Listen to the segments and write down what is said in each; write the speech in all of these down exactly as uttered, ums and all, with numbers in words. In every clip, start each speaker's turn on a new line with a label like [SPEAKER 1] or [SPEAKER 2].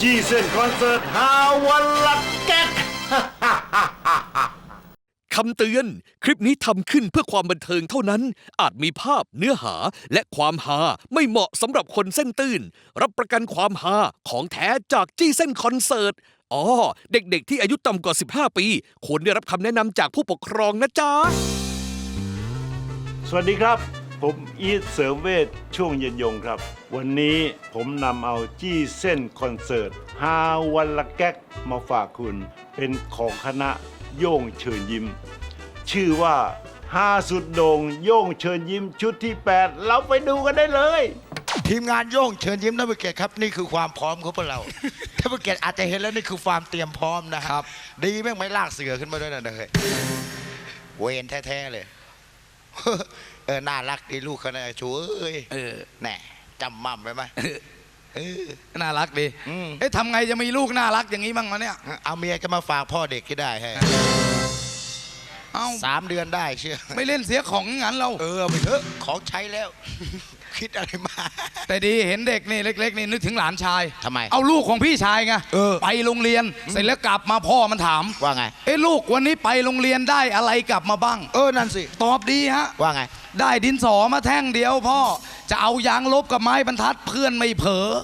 [SPEAKER 1] จีเซนคอนเสิร์ตฮาวันละแก๊ก
[SPEAKER 2] คำเตือน คลิปนี้ทำขึ้นเพื่อความบันเทิงเท่านั้น อาจมีภาพเนื้อหาและความฮาไม่เหมาะสำหรับคนเส้นตื่น รับประกันความฮาของแท้จากจี้เส้นคอนเสิร์ต อ๋อ เด็กๆที่อายุต่ำกว่า สิบห้า ปี ควรได้รับคำแนะนำจากผู้ปกครองนะจ๊ะ
[SPEAKER 1] สวัสดีครับ ผมอีทเสริมเวชช่วงเย็นยงครับ วันนี้ผมนำเอาจี้เส้นคอนเสิร์ตฮาวันละแก๊กมาฝากคุณ เป็นของคณะโย่งเชิญยิ้ม ชื่อว่าฮาสุดโด่งโย่งเชิญยิ้มชุดที่ แปด เราไปดูกันได้เลย
[SPEAKER 3] ทีมงานโย่งเชิญยิ้มท่านผู้เกียรติครับนี่คือความพร้อมของพวกเรา ท่านผู้เกียรติอาจจะเห็นแล้วนี่คือความเตรียมพร้อมนะครับ ดีแม่งไม่ลากเสือขึ้นมาด้วยนะเฮ้ยเวนแท้ๆเลย เออน่ารักดีลูกเขานะชูเอ้ย
[SPEAKER 4] เออ
[SPEAKER 3] แน่จำมั่มไว้ไหมเออ
[SPEAKER 4] น่ารักดี
[SPEAKER 3] อืม
[SPEAKER 4] เอ๊ะทำไงจะมีลูกน่ารักอย่างนี้บ้างวะเนี่ย
[SPEAKER 3] เอาเมียก็มาฝากพ่อเด็กที่ได้ให้
[SPEAKER 4] เอ้า
[SPEAKER 3] สามเดือนได้เชื่อ
[SPEAKER 4] ไม่เล่นเสียของงั้นเรา
[SPEAKER 3] เออเอาไปเถอะของใช้แล้ว คิดอะไรมา
[SPEAKER 4] แต่ดีเห็นเด็กนี่เล็กๆนี่นึกถึงหลานชาย
[SPEAKER 3] ทำไม
[SPEAKER 4] เอาลูกของพี่ชายไง
[SPEAKER 3] เออ
[SPEAKER 4] ไปโรงเรียนเสร็จแล้วกลับมาพ่อมันถาม
[SPEAKER 3] ว่าไง
[SPEAKER 4] เอ้ลูกวันนี้ไปโรงเรียนได้อะไรกลับมาบ้าง
[SPEAKER 3] เออนั่นสิ
[SPEAKER 4] ตอบดีฮะ
[SPEAKER 3] ว่าไง
[SPEAKER 4] ได้ดินสอมาแท่งเดียวพ่อจะเอายางลบกับไม้บรรทัดเพื่อนไม่เผลอ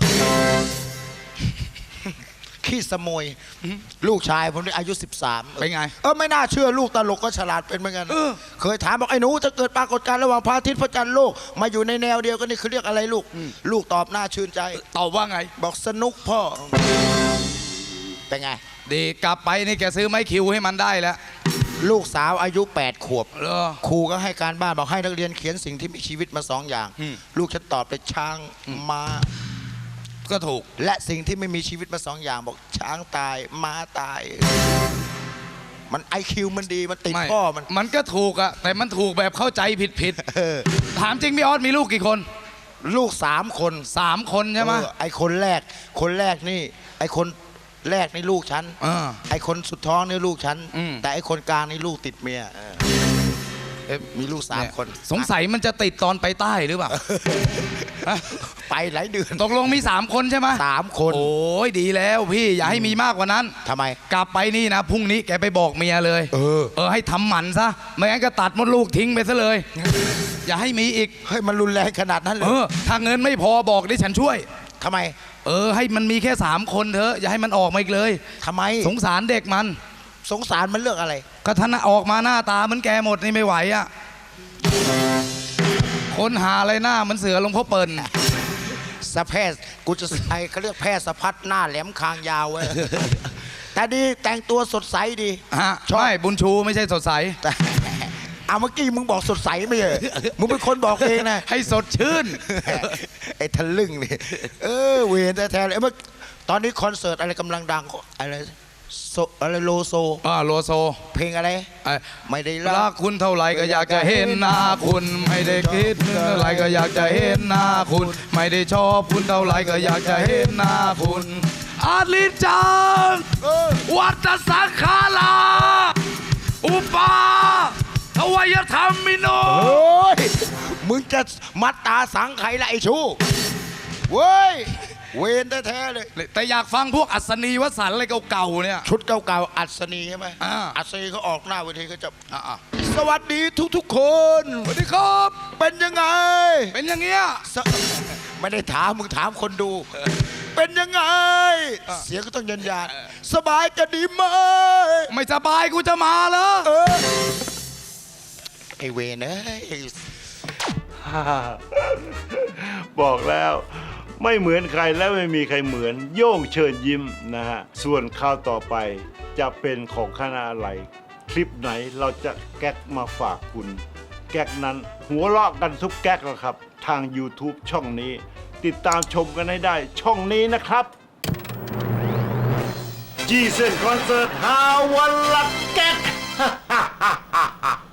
[SPEAKER 3] ขี้สมยลูกชายผมนี่อายุสิบสาม
[SPEAKER 4] เป็นไง
[SPEAKER 3] เออไม่น่าเชื่อลูกตลกก็ฉลาดเป็นเหมือนกัน
[SPEAKER 4] เออ
[SPEAKER 3] เคยถามบอกไอ้หนูจะเกิดปรากฏการณ์ระหว่างพระอาทิตย์พระจันทร์โลกมาอยู่ในแนวเดียวกันนี่คือเรียกอะไรลูก ลูกตอบหน้าชื่นใจ
[SPEAKER 4] ตอบว่าไง
[SPEAKER 3] บอกสนุกพ่อ เป็นไง
[SPEAKER 4] ดีกลับไปนี่แกซื้อไม้คิวให้มันได้แล้ว
[SPEAKER 3] ลูกสาวอายุแปดขวบ
[SPEAKER 4] เหรอ
[SPEAKER 3] ครูก็ให้การบ้านบอกให้นักเรียนเขียนสิ่งที่มีชีวิตมาสองอย่าง
[SPEAKER 4] อืม
[SPEAKER 3] ลูกฉันตอบเป็นช้างม้า
[SPEAKER 4] ก็ถูก
[SPEAKER 3] และสิ่งที่ไม่มีชีวิตมาสองอย่างบอกช้างตายม้าตาย มันไอคิวมันดีมันติด
[SPEAKER 4] ไม่
[SPEAKER 3] พ่อมัน
[SPEAKER 4] มันก็ถูกอะแต่มันถูกแบบเข้าใจผิดผิดๆ
[SPEAKER 3] เออ
[SPEAKER 4] ถามจริงพี่ออสมีลูกกี่คน
[SPEAKER 3] ลูกสามคน
[SPEAKER 4] สามคนใช่ไหม
[SPEAKER 3] เออไอคนแรก คนแรกนี่ ไอคนแรกนี่ลูกฉัน
[SPEAKER 4] เออ
[SPEAKER 3] ไอคนสุดท้องนี่ลูกฉัน
[SPEAKER 4] อืม
[SPEAKER 3] แต่ไอคนกลางนี่ลูกติดเมียเออเอ๊ะมีลูกสามคน
[SPEAKER 4] สงสัยมันจะติดตอนไปใต้หรือเปล่าฮะ
[SPEAKER 3] ไปหลายเดือน
[SPEAKER 4] ตกลงมีสามคนใช่ไหม
[SPEAKER 3] สามคน
[SPEAKER 4] โอ้ยดีแล้วพี่อย่าให้มีมากกว่านั้น
[SPEAKER 3] ทำไม
[SPEAKER 4] กลับไปนี่นะพรุ่งนี้แกไปบอกเมียเลย
[SPEAKER 3] เออ
[SPEAKER 4] เออให้ทำหมันซะไม่งั้นก็ตัดมดลูกทิ้งไปซะเลย อย่าให้มีอีก
[SPEAKER 3] เฮ้ยมันรุนแรงขนาดนั้นเล
[SPEAKER 4] เอย อถ้าเงินไม่พอบอกดิฉันช่วย
[SPEAKER 3] ทำไม
[SPEAKER 4] เออให้มันมีแค่สามคนเถอะอย่าให้มันออกมาอีกเลย
[SPEAKER 3] ทำไม
[SPEAKER 4] สงสารเด็กมัน
[SPEAKER 3] สงสารมันเรื่องอะไร
[SPEAKER 4] ก็ท่านออกมาหน้าตาเหมือนแกหมดนี่ไม่ไหวอ่ะคนหาอะไรหน้าเหมือนเสือหลวงพ่อเปิ่น
[SPEAKER 3] สะแพทย์กูจะไอเขาเรียกแพทย์สะพัดหน้าแหลมคางยาวไว้ แต่ดีแต่งตัวสดใสดี
[SPEAKER 4] ฮะใช่บุญชูไม่ใช่สดใส
[SPEAKER 3] แต่เอาเมื่อกี้มึงบอกสดใสไม่ใช่เหรอมึงเป็นคนบอกเองนะ
[SPEAKER 4] ให้สดชื่น
[SPEAKER 3] ไอ้ทะลึ่งนี่เออเวรแท้ๆเลยเมื่อตอนนี้คอนเสิร์ตอะไรกำลังดังอะไรโซอะไรโลโซ
[SPEAKER 4] อ่าโลโซ
[SPEAKER 3] เพลงอะไร
[SPEAKER 4] ไอ้
[SPEAKER 3] ไม่ได้
[SPEAKER 4] รั
[SPEAKER 3] รั
[SPEAKER 4] ก
[SPEAKER 3] ก
[SPEAKER 4] คุณเท่าไหร่ก็อยากจะเห็นหน้าคุณไม่ได้คิดเท่าไหร่ก็อยากจะเห็นหน้าคุณ ไม่ได้ชอบคุณเท่าไหร่ก็อยากจะเห็นหน้าคุณอาลิจังวัตสังขาราอุปาทวยธรรมิโน
[SPEAKER 3] โอ้ยมึงจะมัดตาสังไขละไอ้ชูเว้ยเวรแท้ๆเลย
[SPEAKER 4] แต่อยากฟังพวกอัศนีวสันต์อะไรเก่าๆเนี่ย
[SPEAKER 3] ชุดเก่าๆอัศนีใช่ไหม
[SPEAKER 4] อ่า
[SPEAKER 3] อัศนีเขาออกหน้าเวทีเขาจะ
[SPEAKER 4] อ่ะ
[SPEAKER 3] สวัสดีทุกๆคน
[SPEAKER 4] ๆสวัสดีครับ
[SPEAKER 3] เป็นยังไง
[SPEAKER 4] เป็นอย่างเงี้ย
[SPEAKER 3] สไม่ได้ถามมึงถามคนดู เป็นยังไง เสียงก็ต้องยันยานสบายจะดีไหม
[SPEAKER 4] ไม่สบายกูจะมาเหรอ
[SPEAKER 3] เออไอเวรเอ้ย
[SPEAKER 1] บอกแล้วไม่เหมือนใครและไม่มีใครเหมือนโย่งเชิญยิ้มนะฮะส่วนข่าวต่อไปจะเป็นของคณะอะไร คลิปไหนเราจะแก๊กมาฝากคุณ แก๊กนั้นหัวเราะกันทุกแก๊กแล้วครับ ทาง YouTube ช่องนี้ ติดตามชมกันให้ได้ช่องนี้นะครับจีเซนคอนเสิร์ตฮาวันละแก๊ก